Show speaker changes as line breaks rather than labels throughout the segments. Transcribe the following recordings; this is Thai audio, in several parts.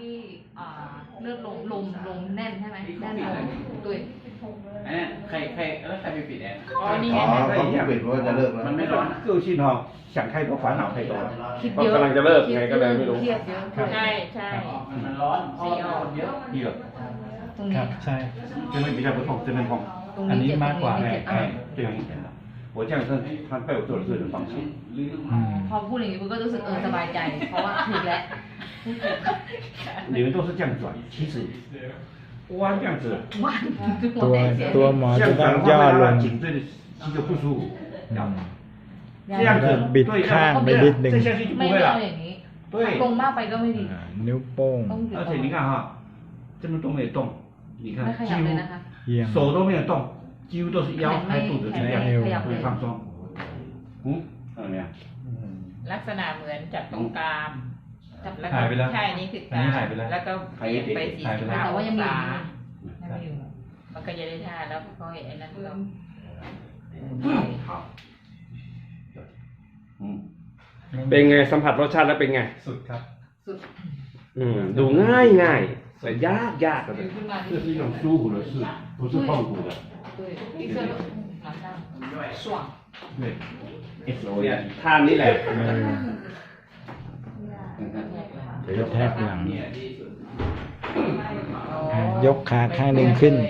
ที่เลือดลมแน่นใช่ไหมแน่นลงตุย
อันนี้ใครแล้วใครไปปิดแอร์
อ๋อนี่ไง
เขาปิดว่าจะเลิกแล้ว
มันไม่ร้อน
个性哈，想太多，烦恼太多了。
คิดเยอะ
กำลังจะเลิกไงก็เลยไม่รู้
เครียดเยอะ
ใช่
ใช่
มันร้อนเพราะคนเยอะ
第二，
ตรง
ค
นี้
รับใช่
这边比较不痛，这边痛。
ตรง
อัน
นี้
นี้
เจ็บ
มากกว่า
ตรงนี้เจ็บ
这样一点的。我这样是他被我做的是很放心。
พอพูดอย่างนี้ปุ๊บก็รู้สึกสบายใจ เพราะว่าถูกแล้ว
你们都是这样转，其实弯这样子，
วันทุกค
ตั
น
ว
แต่เสีย
ตัวหมอ
这
จะ
样
ต้อง
转的
ย่อ
话会
ล
让
ง
它颈椎的肌就不舒服。
อืม
这样子
บิดข้างไปนิดนึง
这下去就
ไม่
不会
เอา
了
อย่าง。นี้
对，
ลงมากไปก็ไม่ดี
นิ้วโป้ง
ต้องหยุด
而且你看哈，这边都没有动，你看
ไม่ข
几
ยับเลย
乎
นะคะ
เยี่ยม
手都没有动，几乎都是腰还有肚子这样，
ขยับ
会
เลย
放松。嗯，看到没有？
ลักษณะเหมือนจับตรงกลาง
จับ
แล้ว
หายไปแล้ว
ใช่นี่คือก
อัน
ลา
นี้
ง
หายไปแล้ว
แล้วก็เปลี่ยนไป
หายไปแล้ว
แต่ว่ายังมี
45
อยู่
องศา
ยังมีอยู่
มันก็จะได้ท่าแล้วก็ไอ้นั่นก็
好。嗯，
เป็นไงสัมผัสรสชาติแล้วเป็นไง
สุดครับ
สุด
ดูง่ายแต่ยาก
ถือขึ้นมา
这是一种舒服的事，不是痛苦的。
对一个马上爽
对，S O
เนี่ย
N。
ท่านี้แหละ
เดี๋ยวแทกหลัง ยกขาข้างหนึ่งขึ้น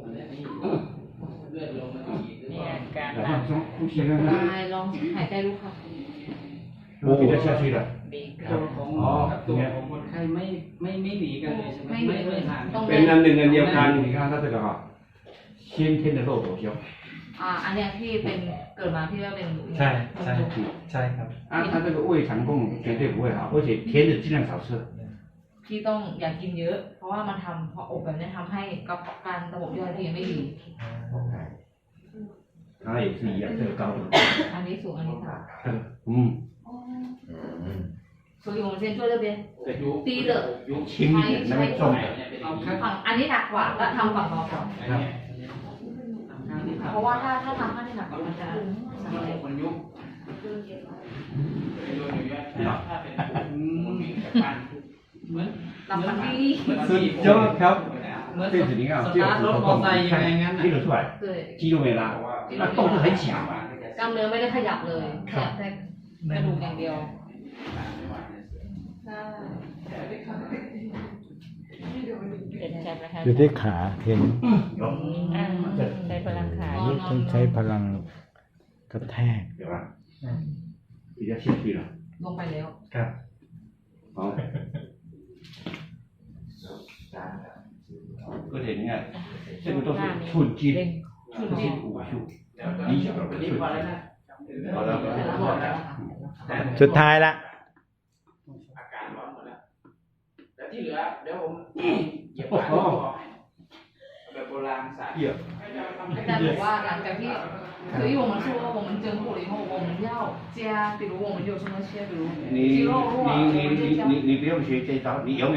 เนี่ยการ
来放松，呼吸看看。
ลองหายใจดูค่ะ
我比较下去了。
ดีขึ้น
ตัวของกับตัวของคนไข้ไม่หนีกันเลยใช่ไหมไม่ห่าง
ต้อง
เป็นอันหนึ่งอันเดียวกัน
你看它这个哈，先天的漏斗胸。
อันเนี้ยพี่เป็นเกิดมาพี่ว่าเป็น
ใช่ใช่ใช่ครับ
啊，它这个胃肠功绝对不会好，而且甜的尽量少吃。
พี่ต้องอย่ากินเยอะ เพราะว่ามันทำพออบแบบนี้ทำให้กระเพาะการระบบย่อยพี่ไม่ดี
它也是一样，这个高度。
อันนี้สูงอันนี้ต่ำ
嗯，
所以我们先做这边
แต่ยุบ
低的
轻一点，那边重的。
เอาข้าง
ฝั่งอันนี้หนักกว่าแล้วทำฝั่งเบาก่อน
ข้างที่
เพราะว่าถ้าทำข้างที่หนักกว่ามันจะสั่นเลย
คนยุบโยนอยู่เยอะถ้าเป็นคนวิ่งจากบ้านเหมือน
หลับฝันดี
สุดยอดครับ
เหมือน
这子你看，
ส
这
ตาร์ทรถ
个
มอเตอร์ไซค์ยังไงงั้น
听得出来，
เกิด
肌肉没拉，那动是很小。
กล้ามเนื้อไม่ได้ขยับเลยขยับแต่กระดูกอย่างเดียวใช่
เป็นใช่ไหมคะ
อยู่ที่ขาเห็น
有，
อ่าใช้พลังขา
นี่ต้องใช้พลังกระแทก
有吧？比较下去了。
ลงไปแล้ว
ครับ
好。而且你看，这个都是寸筋，这些武术，你小的寸
นี่พอแล้ว
筋。
นะ
好了，
แต่ละบอกแล้วค่ะ
สุดท้ายละ
อาการร้อนหมดแล้วแต่ที่เหลือเดี๋ยวผมเหยียบขาแบบโบราณศาสตร์
第二，
อาจารย์บอกว่าหลังจากที่所以我们说我们整骨了以后我们要加比如我们有什么些比如肌肉弱我们就加
你不用学这招，你永远。